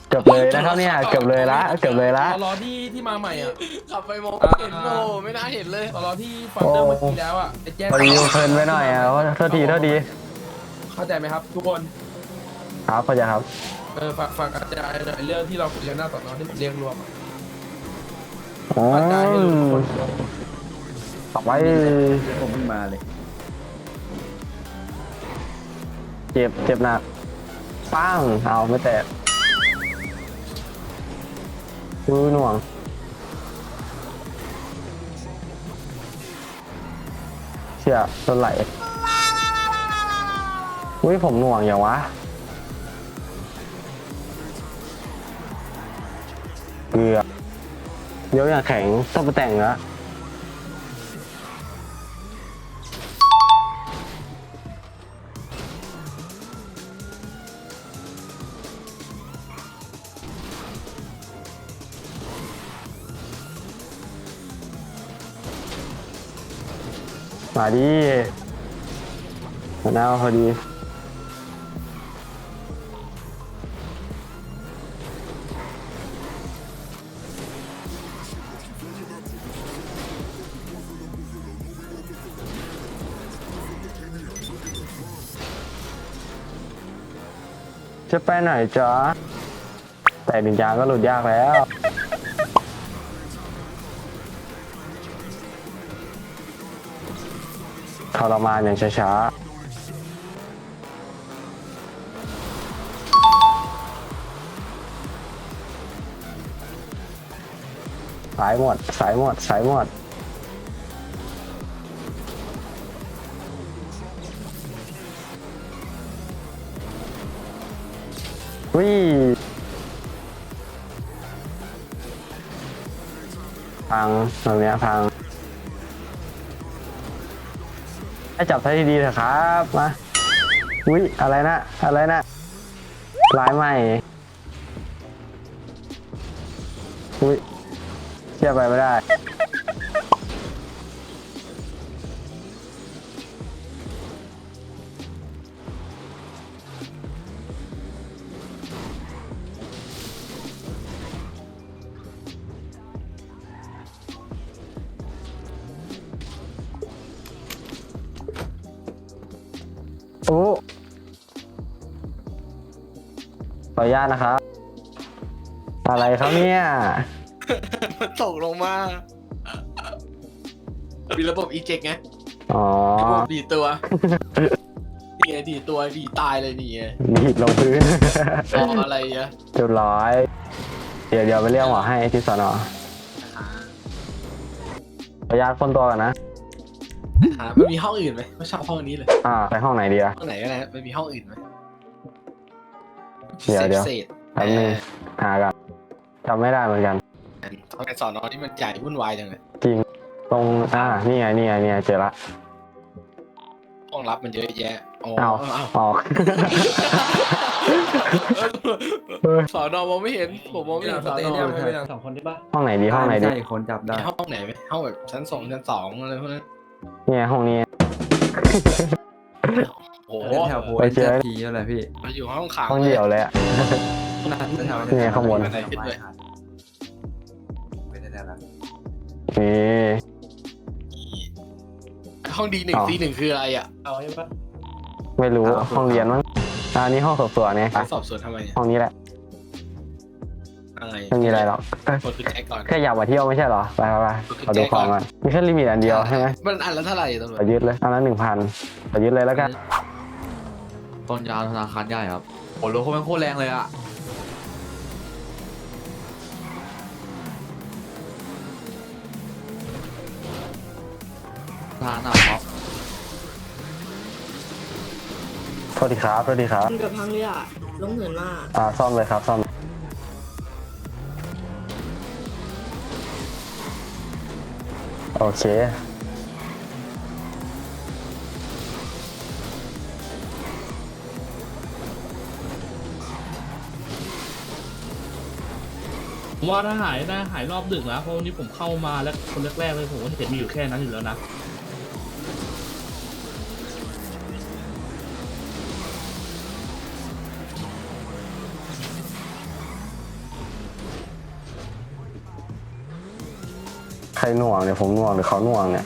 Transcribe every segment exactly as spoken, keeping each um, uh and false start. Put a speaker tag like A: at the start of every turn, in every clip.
A: เกือบเลยนะครับเนี่ยเกือบเลยละเกือบเลยละ
B: รอที่ที่มาใหม่อ่ะ
C: ขับไปมองเห็นโอ้ไม่น่าเห็นเลย
B: รอที่ฟังเดิมเมื่อกี้แล้วอ่ะไอ้แจ๊ค
A: พอดีเพลินไปหน่อยอ่ะโทษทีโทษที
B: เข้าใจไหมครับทุกคน
A: ครับเข้าใจครับ
B: เออฝากฝากอาจารย์หน่อยเรื่องที่เราคุยกันหน้าสอนอที่ผมเรียกรวมอะ
A: อื
B: อาจารย์ให้รู้ทุกคน
A: มต่อไป
D: ผมเพิ่งมาเลย
A: เจ็บเจ็บหนักปังเอาไม่แตกมือหน่วงเชี่ยโดนไหลอุ้ยผมหน่วงอย่างวะเกือบเดี๋ยวอย่างแข็งต้องไปแต่งแล้วมาดิมาหน้าพอดีจะไปไหนจ๊ะแต่ดินยางก็หลุดยากแล้วทรมานอย่างช้าๆสายหมดสายหมดสายหมดวิ่งพังตรงเนี้ยพังให้จับท่าที่ดีเถอะครับมาอุ้ยอะไรนะอะไรนะลายใหม่อุ้ยเชื่อไปไม่ได้โอ้ขออนุญาตนะครับ อะไรครับเนี่ย
C: มันตกลงมามีระบบอีเจ็กไง
A: อ๋อ
C: ระบบดีตัวนี่ไงดีตัวดีตายเลยนี่ไง
A: ดีดลงพื้น
C: รออะไรอ่ะ
A: เรียบร้อย เดี๋ยวเดี๋ยวไปเรียกหมอให้ที่สนอขออนุญาตคนตัวกันนะ
C: หามันมีห้องอื่นไหมไม่ชอบห้องนี้เลย
A: อ่าไปห้องไหนดีอะ
C: ห้องไหนก็ได้มันมีห้องอื่นไหม
A: เดี๋ยวเดี๋ยว
C: เศษ
A: แป๊บนึงหากันจำไม่ได้เหมือนกัน
C: ทำไมสอนอที่มันใหญ่วุ่นวายจังเลย
A: จริง ตรง อ่า นี่ไง นี่ไง นี่ไง เจอละ
C: ห้องรับมันเยอะแยะอ๋อ
A: เอา
C: เอา
A: ออก
C: สอนอมองไม่เห็นผมมองไม่เห็นสอนอ
B: ไม่เป็นไร
D: สองคนได้ปะ
A: ห้องไหนดี ห้องไหนดี
D: ใช่คนจับได้
C: มีห้องไหนไหมห้องแบบชั้นสองชั้นสองอะไรพวกนั้น
A: เนี่ยห้องนี้
C: โอ้โห
D: เล่นแถวโพ
A: ไป
D: เอ็น
A: เจอ
D: ทีนั่นแหละพี่
C: มาอยู่ห้องขัง
A: ห้องเดียวเลยอะ
D: แถว
A: เนี่ยข้างบน
C: อะไรขึ้นเลย
D: ไม่ได้แล้ว
A: นี่
C: ห้องดีหนึ่ง
A: อ๋อ
C: ซีหนึ่งคืออะไรอ่ะ
D: เอาใช่ปะ
A: ไม่รู้ ห้องเรียนมั้งอ่านี่ห้องสอบสวนเนี่ย
C: สอบสวนทำไมอะ
A: ห้องนี้แหละ
C: อะไร
A: ไม่มีอะไรหรอกเอ้ย
C: กดคือแจ็คก่อน
A: แค่อยากมาเที่ยวไม่ใช่เหรอ ไปไปไปขอดูของก่อนมีแค่ลิมิตอันเดียวใช่ไหม
C: มันอันละเท่าไหร่ตำรว
A: ขอ
C: จ
A: ยึดเลยอันละหนึ่งพันขอยึดเลยแล้วกัน
E: ต้นยาวธนาคารใหญ่ครับโอ้โหรถเขาเป็นโคตรแรงเลยอะทานอ่ะครับ
A: โทษทีครับโทษทีครับ
F: เกือบพังเลยอ่ะล้มเหินมาก
A: อ่าซ่อมเลยครับซ่อมโอเค
G: ผมว่าถ้าหายน่าหายรอบดึกนะเพราะวันนี้ผมเข้ามาแล้วคนแรกๆเลยผมก็เห็นมีอยู่แค่นั้นอยู่แล้วนะ
A: ใครหน่วงเนี่ยผมหน่วงหรือเขาหน่วงเนี่ย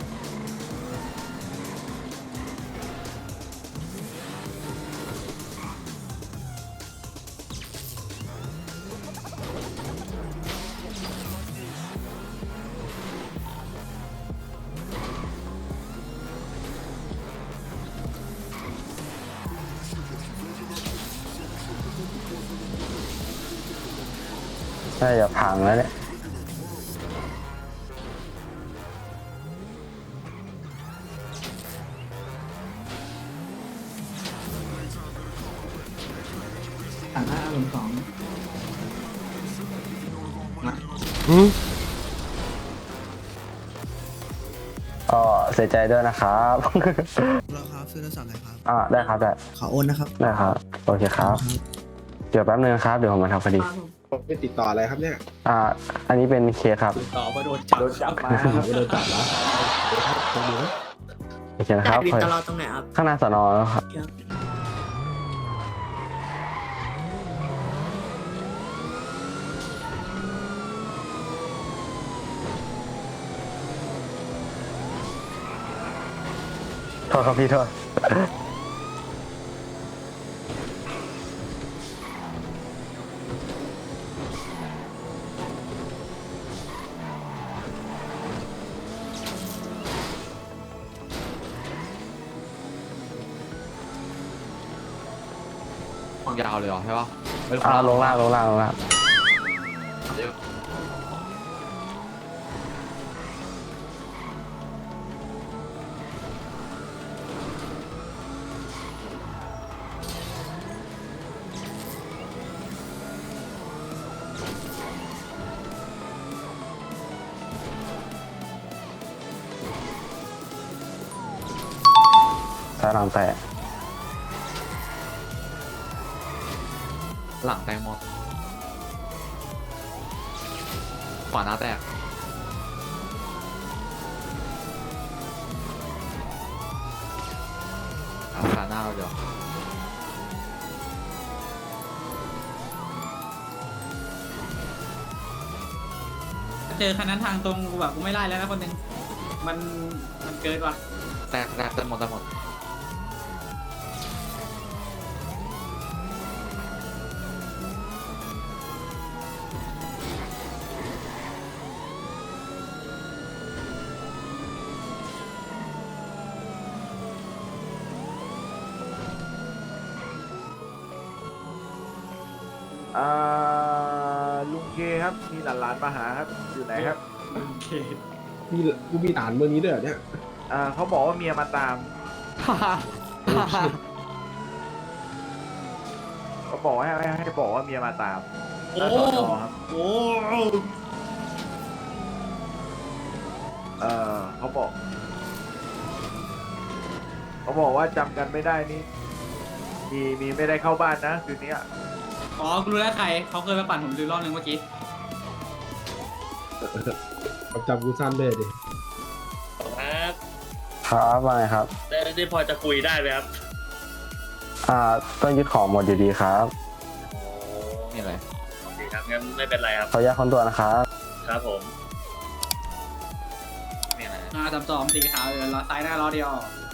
A: น่าจะพังแล้วเนี่ย
C: ต่างหน้าลงสอง
A: ก็เสียใจด้วยนะครับ
H: เราครับซื้อโทรศัพท์หน่อยครับ
A: อ่าได้ครับได้
H: ขอโอนนะครับ
A: ได้ครับโอเคครับ เดี๋ยวแป๊บนึงครับเดี๋ยวผมมาทำคดี
F: ครับผม
B: ไปติดต่ออะไรครับเนี่ย
A: อ่า อันนี้เป็นเคสครับ
C: ต่อมาโดนจับ
D: โดนจับมา
B: ไม่โดนจับแล้ว
A: โอเคนะครับ
F: วินตลอดตรงไหนครับ
A: ข้างหน้าสนแล้วครับ
F: ครับ
A: โทษครับพี่โทษ
E: วางยาวเลยเหรอใช่ปะไม่
A: อ่าลงล่างลงล่างลงล่างซ้ายหลังแตะ
E: หลังแตงหมดขวาหน้าแตกขาหน้าเราเดี๋ยว
C: เจอคันนั้นทางตรงกูแบบกูไม่ไล่แล้วนะคนหนึ่งมันมันเกินว่ะ
E: แตกแตกเต็มหมดเต็มหมด
D: อ่าลุงเคครับมีหลานๆมาหาครับอยู่ไหนครับ
C: โอเค
B: มีกูมีอ่านเมื่อนี้ด้วยเหรอเนี่ย
D: อ่าเขาบอกว่าเมียมาตามเขาบอกให้ให้ให้บอกว่าเมียมาตามหน้าสอนอครับ
C: โอ้
D: เออเขาบอกเขาบอกว่าจำกันไม่ได้นี่มีมีไม่ได้เข้าบ้านนะคืนนี้อะ
C: อ๋อกูรู้แล้วใครเขาเคยมาปั่นผมดูรอบนึงเมื่อกี้
B: จำกูสั้นเลยดิ
I: ครับ
A: ครับว่าไงครับ
I: ได้ได้พอจะคุยได้ไหมครับ
A: อ่าต้องยึดของหมดอยู่ดีครับ
E: นี่อะไร
I: โอเคครับงั้นไม่เป็นไรครับ
A: ขออนุญาตคนตัวนะครับ
I: ครับผม
E: นี่อะไร
C: หน้าสามสองสีขาวเออล้อซ้ายหน้าล้อเดียว